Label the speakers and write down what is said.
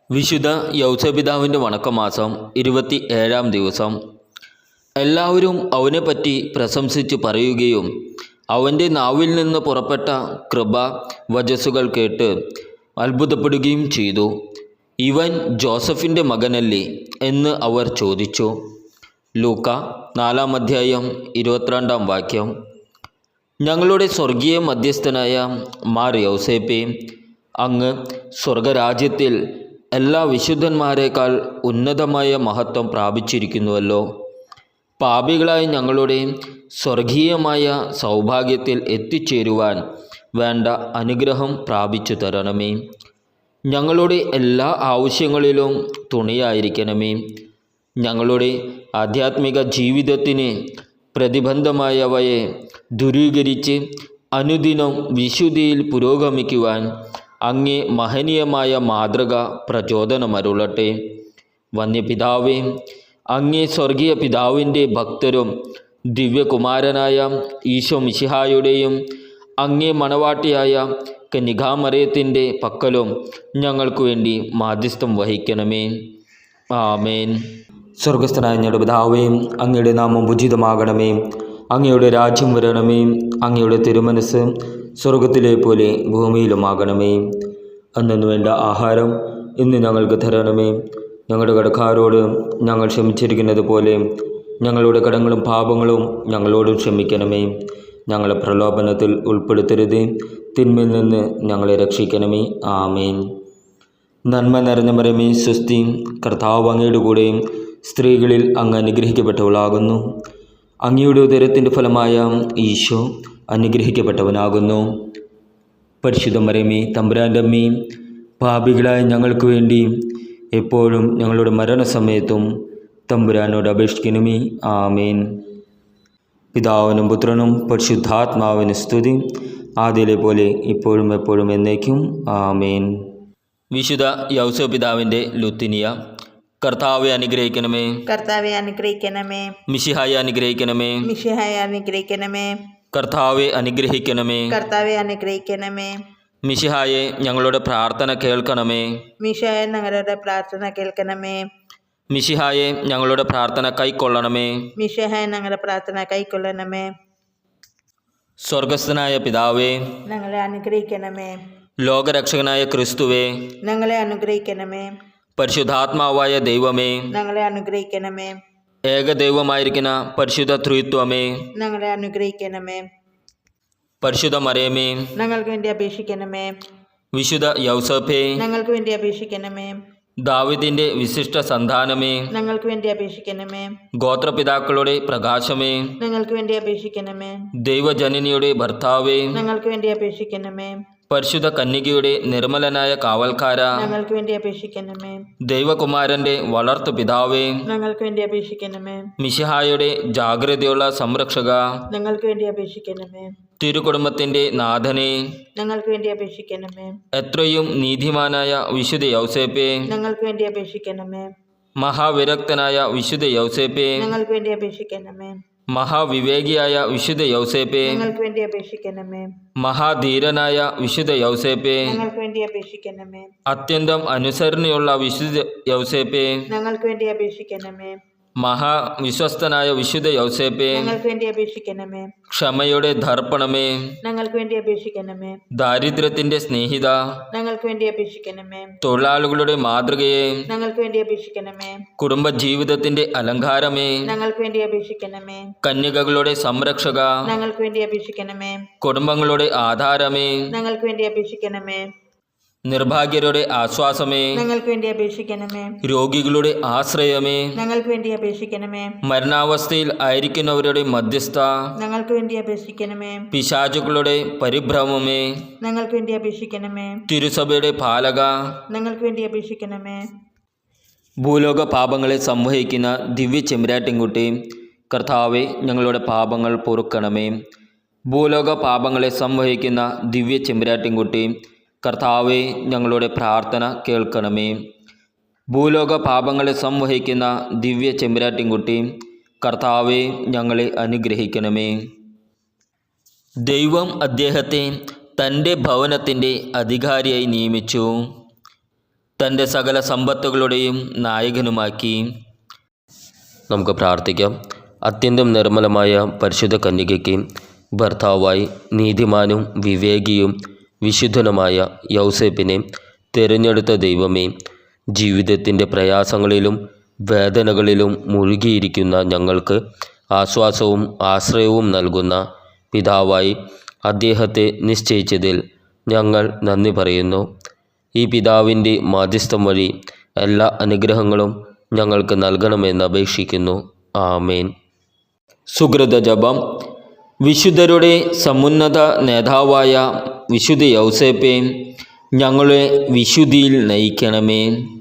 Speaker 1: വിശുദ്ധ യൗസപിതാവിൻ്റെ വണക്കമാസം 27-ാം ദിവസം. എല്ലാവരും അവനെപ്പറ്റി പ്രശംസിച്ച് പറയുകയും അവൻ്റെ നാവിൽ നിന്ന് പുറപ്പെട്ട കൃപ വചസ്സുകൾ കേട്ട് അത്ഭുതപ്പെടുകയും ചെയ്തു. ഇവൻ ജോസഫിൻ്റെ മകനല്ലേ എന്ന് അവർ ചോദിച്ചു. ലൂക്ക 4-ാം അധ്യായം 22-ാം വാക്യം. ഞങ്ങളുടെ സ്വർഗീയ മധ്യസ്ഥനായ മാർ യൗസേപ്പേ, അങ്ങ് സ്വർഗരാജ്യത്തിൽ എല്ലാ വിശുദ്ധന്മാരെക്കാൾ ഉന്നതമായ മഹത്വം പ്രാപിച്ചിരിക്കുന്നുവല്ലോ. പാപികളായ ഞങ്ങളുടെ സ്വർഗീയമായ സൗഭാഗ്യത്തിൽ എത്തിച്ചേരുവാൻ വേണ്ട അനുഗ്രഹം പ്രാപിച്ചു തരണമേ. ഞങ്ങളുടെ എല്ലാ ആവശ്യങ്ങളിലും തുണയായിരിക്കണമേ. ഞങ്ങളുടെ ആധ്യാത്മിക ജീവിതത്തിന് പ്രതിബന്ധമായവയെ ദൂരീകരിച്ച് അനുദിനം വിശുദ്ധിയിൽ പുരോഗമിക്കുവാൻ അങ്ങേ മഹനീയമായ മാതൃക പ്രചോദനമരുളട്ടെ. വന്യപിതാവേ, അങ്ങേ സ്വർഗീയ പിതാവിൻ്റെ ഭക്തരും ദിവ്യകുമാരനായ ഈശോ മിശിഹായുടെയും അങ്ങേ മണവാട്ടിയായ കന്യകാമറിയത്തിൻ്റെ പക്കലും ഞങ്ങൾക്ക് വേണ്ടി മാധ്യസ്ഥം വഹിക്കണമേ. ആമേൻ. സ്വർഗസ്ഥനായ ഞങ്ങളുടെ പിതാവേ, അങ്ങയുടെ നാമം ഉചിതമാകണമേ. അങ്ങയുടെ രാജ്യം വരണമേ. അങ്ങയുടെ തിരുമനസ് സ്വർഗത്തിലെ പോലെ ഭൂമിയിലുമാകണമേ. അന്നു വേണ്ട ആഹാരം ഇന്ന് ഞങ്ങൾക്ക് തരണമേ. ഞങ്ങളുടെ കടക്കാരോട് ഞങ്ങൾ ക്ഷമിച്ചിരിക്കുന്നത് പോലെ ഞങ്ങളുടെ കടങ്ങളും പാപങ്ങളും ഞങ്ങളോട് ക്ഷമിക്കണമേ. ഞങ്ങളെ പ്രലോഭനത്തിൽ ഉൾപ്പെടുത്തരുത്, തിന്മയിൽ നിന്ന് ഞങ്ങളെ രക്ഷിക്കണമേ. ആമേൻ. നന്മ നിറഞ്ഞ മറിയമേ, സ്വസ്തി, കർത്താവ് അങ്ങയുടെ കൂടെ സ്ത്രീകളിൽ അങ്ങ് അനുഗ്രഹിക്കപ്പെട്ടവളാകുന്നു. അങ്ങയുടെ ഉദരത്തിൻ്റെ ഫലമായ ഈശോ അനുഗ്രഹിക്കപ്പെട്ടവനാകുന്നു. പരിശുദ്ധ മറിയമേ, തമ്പുരാൻ്റെ അമ്മേ, പാപികളായ ഞങ്ങൾക്ക് വേണ്ടി എപ്പോഴും ഞങ്ങളുടെ മരണസമയത്തും തമ്പുരാനോട് അപേക്ഷിക്കണമേ. ആമേൻ. പിതാവിനും പുത്രനും പരിശുദ്ധാത്മാവിന് സ്തുതി, ആദ്യയിലെ പോലെ ഇപ്പോഴും എപ്പോഴും എന്നേക്കും. ആമേൻ. വിശുദ്ധ യൗസപിതാവിൻ്റെ ലുത്തിനിയ. കർത്താവെ അനുഗ്രഹിക്കണമേ.
Speaker 2: കർത്താവെ അനുഗ്രഹിക്കണമേ.
Speaker 1: മിശിഹായെ അനുഗ്രഹിക്കണമേ.
Speaker 2: മിശിഹായെ അനുഗ്രഹിക്കണമേ.
Speaker 1: കർത്താവെ അനുഗ്രഹിക്കണമേ.
Speaker 2: കർത്താവെ അനുഗ്രഹിക്കണമേ.
Speaker 1: മിശിഹായെ ഞങ്ങളുടെ പ്രാർത്ഥന കേൾക്കണമേ.
Speaker 2: മിശിഹായെ ഞങ്ങളുടെ പ്രാർത്ഥന കേൾക്കണമേ.
Speaker 1: മിശിഹായെ ഞങ്ങളുടെ പ്രാർത്ഥന കൈക്കൊള്ളണമേ.
Speaker 2: മിശിഹായെ ഞങ്ങളുടെ പ്രാർത്ഥന കൈക്കൊള്ളണമേ.
Speaker 1: സ്വർഗസ്ഥനായ പിതാവേ,
Speaker 2: ഞങ്ങളെ അനുഗ്രഹിക്കണമേ.
Speaker 1: ലോകരക്ഷകനായ ക്രിസ്തുവേ,
Speaker 2: ഞങ്ങളെ അനുഗ്രഹിക്കണമേ.
Speaker 1: പരിശുദ്ധാത്മാവായ ദൈവമേ,
Speaker 2: ഞങ്ങളെ അനുഗ്രഹിക്കണമേ.
Speaker 1: ഏകദൈവമായിരിക്കുന്ന പരിശുദ്ധ ത്രിത്വമേ,
Speaker 2: ഞങ്ങളെ അനുഗ്രഹിക്കണമേ.
Speaker 1: പരിശുദ്ധ മറിയമേ,
Speaker 2: ഞങ്ങൾക്ക് വേണ്ടി അപേക്ഷിക്കണമേ.
Speaker 1: വിശുദ്ധ യൗസേപ്പേ,
Speaker 2: ഞങ്ങൾക്ക് വേണ്ടി അപേക്ഷിക്കണമേ.
Speaker 1: ദാവീദിന്റെ വിശിഷ്ട സന്താനമേ,
Speaker 2: ഞങ്ങൾക്ക് വേണ്ടി അപേക്ഷിക്കണമേ.
Speaker 1: ഗോത്രപിതാക്കളുടെ പ്രകാശമേ,
Speaker 2: ഞങ്ങൾക്ക് വേണ്ടി അപേക്ഷിക്കണമേ.
Speaker 1: ദൈവജനനിയുടെ ഭർത്താവേ,
Speaker 2: ഞങ്ങൾക്ക് വേണ്ടി അപേക്ഷിക്കണമേ.
Speaker 1: പരിശുദ്ധ കന്യകയുടെ നിർമ്മലനായ കാവൽക്കാര,
Speaker 2: ഞങ്ങൾക്ക് വേണ്ടി അപേക്ഷിക്കണമേ.
Speaker 1: ദൈവകുമാരന്റെ വളർത്തു പിതാവേ,
Speaker 2: ഞങ്ങൾക്ക് വേണ്ടി അപേക്ഷിക്കണമേ.
Speaker 1: മിശിഹായുടെ ജാഗ്രതയുള്ള സംരക്ഷക,
Speaker 2: ഞങ്ങൾക്ക് വേണ്ടി അപേക്ഷിക്കണമേ.
Speaker 1: തിരുകുടുംബത്തിന്റെ നാഥനെ,
Speaker 2: ഞങ്ങൾക്ക് വേണ്ടി അപേക്ഷിക്കണമേ.
Speaker 1: എത്രയും നീതിമാനായ വിശുദ്ധ യൗസേപ്പേ,
Speaker 2: ഞങ്ങൾക്ക് വേണ്ടി അപേക്ഷിക്കണമേ.
Speaker 1: മഹാവിരക്തനായ വിശുദ്ധ യൗസേപ്പേ,
Speaker 2: ഞങ്ങൾക്ക് വേണ്ടി അപേക്ഷിക്കണമേ.
Speaker 1: മഹാവിവേകിയായ വിശുദ്ധ യൗസേപ്പേ,
Speaker 2: ഞങ്ങൾക്ക് വേണ്ടി അപേക്ഷിക്കണമേ.
Speaker 1: മഹാധീരനായ വിശുദ്ധ യൗസേപ്പേ,
Speaker 2: ഞങ്ങൾക്ക് വേണ്ടി അപേക്ഷിക്കണമേ.
Speaker 1: അത്യന്തം അനുസരണയുള്ള വിശുദ്ധ യൗസേപ്പേ,
Speaker 2: ഞങ്ങൾക്ക് വേണ്ടി അപേക്ഷിക്കണമേ.
Speaker 1: മഹാവിശ്വസ്തനായ വിശുദ്ധ യൗസേപ്പേ,
Speaker 2: ഞങ്ങൾക്ക് വേണ്ടി അപേക്ഷിക്കണമേ.
Speaker 1: ക്ഷമയുടെ ദർപ്പണമേ,
Speaker 2: ഞങ്ങൾക്ക് വേണ്ടി അപേക്ഷിക്കണമേ.
Speaker 1: ദാരിദ്ര്യത്തിന്റെ സ്നേഹിത,
Speaker 2: ഞങ്ങൾക്ക് വേണ്ടി അപേക്ഷിക്കണമേ.
Speaker 1: തൊഴിലാളികളുടെ മാതൃകയെ,
Speaker 2: ഞങ്ങൾക്ക് വേണ്ടി അപേക്ഷിക്കണമേ.
Speaker 1: കുടുംബജീവിതത്തിന്റെ അലങ്കാരമേ,
Speaker 2: ഞങ്ങൾക്ക് വേണ്ടി അപേക്ഷിക്കണമേ.
Speaker 1: കന്യകകളുടെ സംരക്ഷക,
Speaker 2: ഞങ്ങൾക്ക് വേണ്ടി അപേക്ഷിക്കണമേ.
Speaker 1: കുടുംബങ്ങളുടെ ആധാരമേ,
Speaker 2: ഞങ്ങൾക്ക് വേണ്ടി അപേക്ഷിക്കണമേ.
Speaker 1: നിർഭാഗ്യരുടെ ആശ്വാസമേ,
Speaker 2: ഞങ്ങൾക്ക് വേണ്ടി അപേക്ഷിക്കണമേ.
Speaker 1: രോഗികളുടെ ആശ്രയമേ,
Speaker 2: ഞങ്ങൾക്ക് വേണ്ടി അപേക്ഷിക്കണമേ.
Speaker 1: മരണാവസ്ഥയിൽ ആയിരിക്കുന്നവരുടെ മധ്യസ്ഥ,
Speaker 2: ഞങ്ങൾക്ക് വേണ്ടി അപേക്ഷിക്കണമേ.
Speaker 1: പിശാചുക്കളുടെ പരിഭ്രമമേ,
Speaker 2: ഞങ്ങൾക്ക് വേണ്ടി അപേക്ഷിക്കണമേ.
Speaker 1: തിരുസഭയുടെ പാലക,
Speaker 2: ഞങ്ങൾക്ക് വേണ്ടി അപേക്ഷിക്കണമേ.
Speaker 1: ഭൂലോക പാപങ്ങളെ സംവഹിക്കുന്ന ദിവ്യ ചെമ്പരാട്ടിൻകുട്ടി, കർത്താവെ ഞങ്ങളുടെ പാപങ്ങൾ പൊറുക്കണമേ. ഭൂലോക പാപങ്ങളെ സംവഹിക്കുന്ന ദിവ്യ ചെമ്പരാട്ടിൻകുട്ടി, കർത്താവെ ഞങ്ങളുടെ പ്രാർത്ഥന കേൾക്കണമേ. ഭൂലോക പാപങ്ങളെ സംവഹിക്കുന്ന ദിവ്യ ചെമ്പരാട്ടിൻകുട്ടി, കർത്താവെ ഞങ്ങളെ അനുഗ്രഹിക്കണമേ. ദൈവം അദ്ദേഹത്തെ തൻ്റെ ഭവനത്തിൻ്റെ അധികാരിയായി നിയമിച്ചു. തൻ്റെ സകല സമ്പത്തുകളുടെയും നായകനുമാക്കി. നമുക്ക് പ്രാർത്ഥിക്കാം. അത്യന്തം നിർമ്മലമായ പരിശുദ്ധ കന്യകയ്ക്ക് ഭർത്താവായി നീതിമാനും വിവേകിയും വിശുദ്ധനുമായ യൗസേപ്പിനെ തിരഞ്ഞെടുത്ത ദൈവമേ, ജീവിതത്തിൻ്റെ പ്രയാസങ്ങളിലും വേദനകളിലും മുഴുകിയിരിക്കുന്ന ഞങ്ങൾക്ക് ആശ്വാസവും ആശ്രയവും നൽകുന്ന പിതാവായി അദ്ദേഹത്തെ നിശ്ചയിച്ചതിൽ ഞങ്ങൾ നന്ദി പറയുന്നു. ഈ പിതാവിൻ്റെ മാധ്യസ്ഥം വഴി എല്ലാ അനുഗ്രഹങ്ങളും ഞങ്ങൾക്ക് നൽകണമെന്ന് അപേക്ഷിക്കുന്നു. ആമേൻ. സുകൃത ജപം. വിശുദ്ധരുടെ സമുന്നത നേതാവായ വിശുദ്ധ യൗസേപ്പെ, ഞങ്ങളെ വിശുദ്ധിയിൽ നയിക്കണമേ.